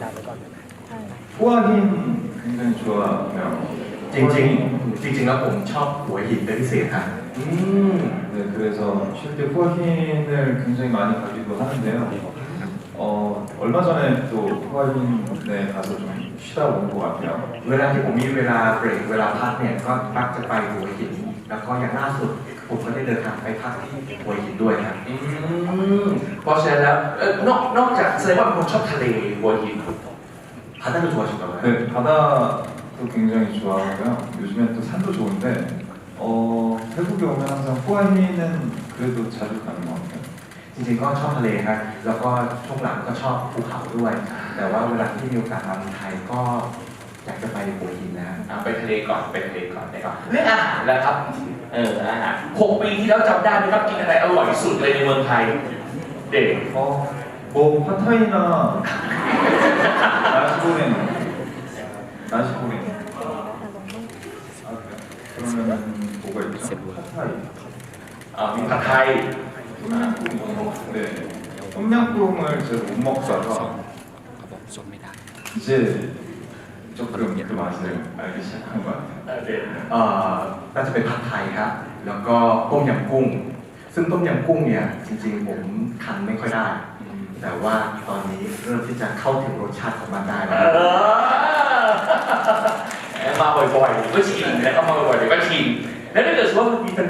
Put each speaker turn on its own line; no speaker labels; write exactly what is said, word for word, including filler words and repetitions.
หัวหิน굉장히 좋아해요.
จริงๆจริงๆแล้วผมชอบหัวหินเป็นพิเศษครับอืม
네, 그래서 쉴 때 후아힌을 굉장히 많이 가기도 하는데요. 어, 얼마 전에 또 후아힌에 가서 좀 쉬다 온 것 같아요.
เวลาที่ผมมีเวลาเบรกเวลาพักเนี่ยก็มักจะไปหัวหินแล้วก็อย่างล่าสุดผมก็ได้เดินทางไปพักที่หัวหินด้วยครับ
อืมเพราะฉะนั้นแล้วเอ่อนอกนอกจากแสดงว่าเป็นคนชอบทะเลหัวหิน
바다를 좋아하신가봐요.
네, 바다도 굉장히 좋아하고요. 요즘엔 또 산도 좋은데 어, 태국에 오면 항상 후아힌은 그래도 자주 가는 것 같아요.
จริงๆก็ชอบทะเลครับแล้วก็ช่วงหลังก็ชอบภูเขาด้วย แต่ว่าเวลาที่มีโอกาสมาเมืองไทยก็อยากจะไปหัวหินนะ
อ่ะไปทะเลก่อนไปทะเลก่อนนะครับเรื่องอาหารแล้วครับเอออาหารหกปีที่แล้วจำได้ไหมครับกินอะไรอร่อยที่สุดเลยในเมืองไทยเด็ก
어, 뭐 팟타이나 나시고랭 나시고랭 아 그래요? 그러면은 뭐가 있죠? 팟타이
อ่ามีผัดไทย
똠양꿍 네 똠양꿍을 제가 못 먹다가 이제 조금 그 맛을 알기 시작한 것 같아요.
เออเด็ก
เอ่อน่าจะเป็นผัดไทยครับ แล้วก็ต้มยำกุ้ง ซึ่งต้มยำกุ้งเนี่ยจริงๆผมทำไม่ค่อยได้ แต่ว่าตอนนี้เริ่มที่จะเข้าถึงรสชาติของมันได้
เอ
แล้ว
อมาบ่อยๆก็ชินแล้วก็มาบ่อยๆก็ชินแล้วถ้าเกิดว่ามันมี